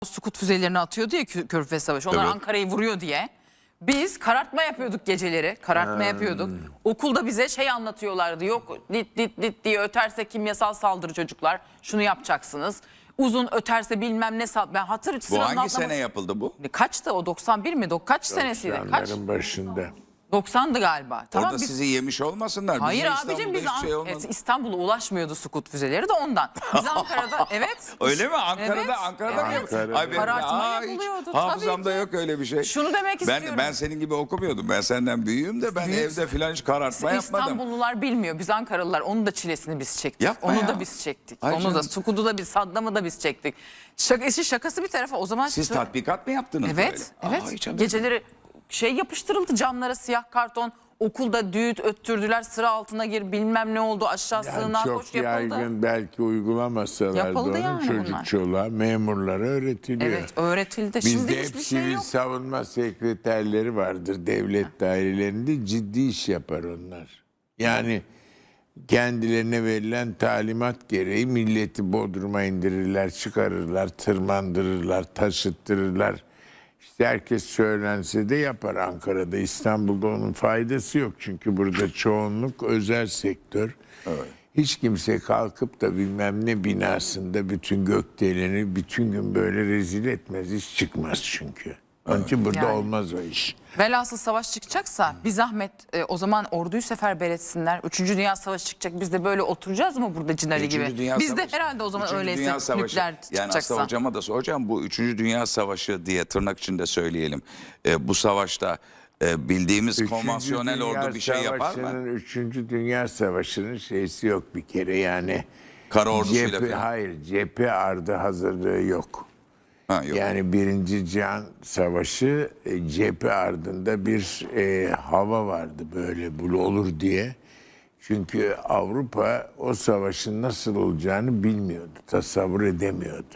Sukut füzelerini atıyordu ya Körfez Savaşı. Onlar Evet. Ankara'yı vuruyor diye. Biz karartma yapıyorduk geceleri. Karartma yapıyorduk. Okulda bize şey anlatıyorlardı. Yok dit dit dit diye öterse kimyasal saldırı çocuklar. Şunu yapacaksınız. Uzun öterse bilmem ne. Ben Bu hangi sene yapıldı bu? Kaçtı o 91 mi? Kaç senesiydi? Kaç? 90'ların başında. 90'dı galiba. Tamam, Orada biz... sizi yemiş olmasınlar. Hayır Bizim abicim İstanbul'da biz hiçbir şey olmadı. İstanbul'a ulaşmıyordu Sukut füzeleri de ondan. Biz Ankara'da evet. Öyle mi? Ankara'da Evet, Ankara'da mı? evet. Ankara'da. Ay benim Karartma hiç yapılıyordu, tabii hafızamda ki. yok öyle bir şey. Şunu demek istiyorum. Ben senin gibi okumuyordum. Ben senden büyüğüm de ben Büyük. evde filan hiç karartma yapmadım. İstanbullular bilmiyor. Biz Ankaralılar onun da çilesini biz çektik. Yapma Onu ya. da biz çektik. Ay Onu canım. da Sukut'u da biz, Saddam'ı da biz çektik. Şakası bir tarafa o zaman. Siz tatbikat mı yaptınız Evet, böyle? evet. Aa, hiç haberim yok. Geceleri şey yapıştırıldı camlara siyah karton. Okulda düğüt öttürdüler, sıra altına gir bilmem ne oldu aşağı Yani sığınağa çok koş yapıldı. yaygın belki uygulamasalardı Yapıldı onu yani bunlar. çocukçuluğa, memurlara öğretiliyor. Evet öğretildi. Bizde Şimdi hep hiçbir şey sivil yok. savunma sekreterleri vardır devlet dairelerinde, ciddi iş yapar onlar. Yani kendilerine verilen talimat gereği milleti bodruma indirirler, çıkarırlar, tırmandırırlar, taşıttırırlar. İşte herkes söylense de yapar Ankara'da. İstanbul'da onun faydası yok. Çünkü burada çoğunluk özel sektör. Evet. Hiç kimse kalkıp da bilmem ne binasında bütün gökdeleni bütün gün böyle rezil etmez. Hiç çıkmaz çünkü. Onun için burada Yani. olmaz o iş. Velhasıl savaş çıkacaksa bir zahmet o zaman orduyu seferber etsinler. 3. Dünya Savaşı çıkacak. Biz de böyle oturacağız mı burada Cinali Üçüncü gibi? Dünya Biz de Savaşı. herhalde o zaman Üçüncü öyleyse Dünya Savaşı. nükleer Yani çıkacaksa. aslında hocama da soracağım, bu 3. Dünya Savaşı diye tırnak içinde söyleyelim. Bu savaşta bildiğimiz konvansiyonel Dünya ordu bir şey yapar mı? Savaşı'nın, 3. Dünya Savaşı'nın şeysi yok bir kere yani. Kara ordusuyla falan. Hayır, cephe ardı hazırlığı yok. Ha, yok. Yani 1. Cihan Savaşı cephe ardında bir hava vardı böyle bu olur diye. Çünkü Avrupa o savaşın nasıl olacağını bilmiyordu, tasavvur edemiyordu.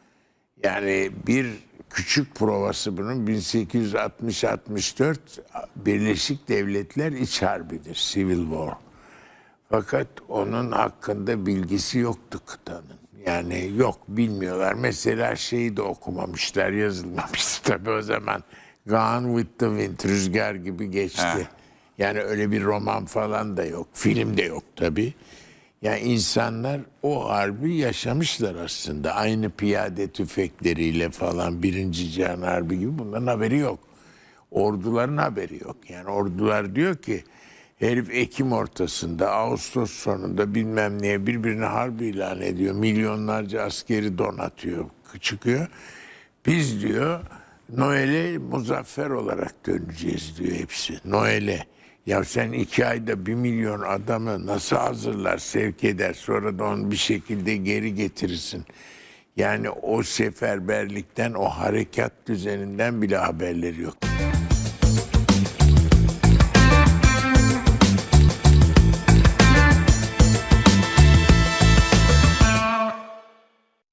Yani bir küçük provası bunun 1860-64 Birleşik Devletler İç Harbi'dir, Civil War. Fakat onun hakkında bilgisi yoktu kıtanın. Yani yok bilmiyorlar. Mesela şeyi de okumamışlar, yazılmamış tabii o zaman. Gone with the Wind, Rüzgar gibi geçti. Heh. Yani öyle bir roman falan da yok. Film de yok tabii. Yani insanlar o harbi yaşamışlar aslında. Aynı piyade tüfekleriyle falan 1. Cihan Harbi gibi bunların haberi yok. Orduların haberi yok. Yani ordular diyor ki herif Ekim ortasında, Ağustos sonunda bilmem neye birbirine harp ilan ediyor. Milyonlarca askeri donatıyor, çıkıyor. Biz diyor Noel'e muzaffer olarak döneceğiz diyor hepsi. Noel'e. Ya sen 2 ayda 1 milyon adamı nasıl hazırlar, sevk eder, sonra da onu bir şekilde geri getirirsin. Yani o seferberlikten, o harekat düzeninden bile haberleri yok.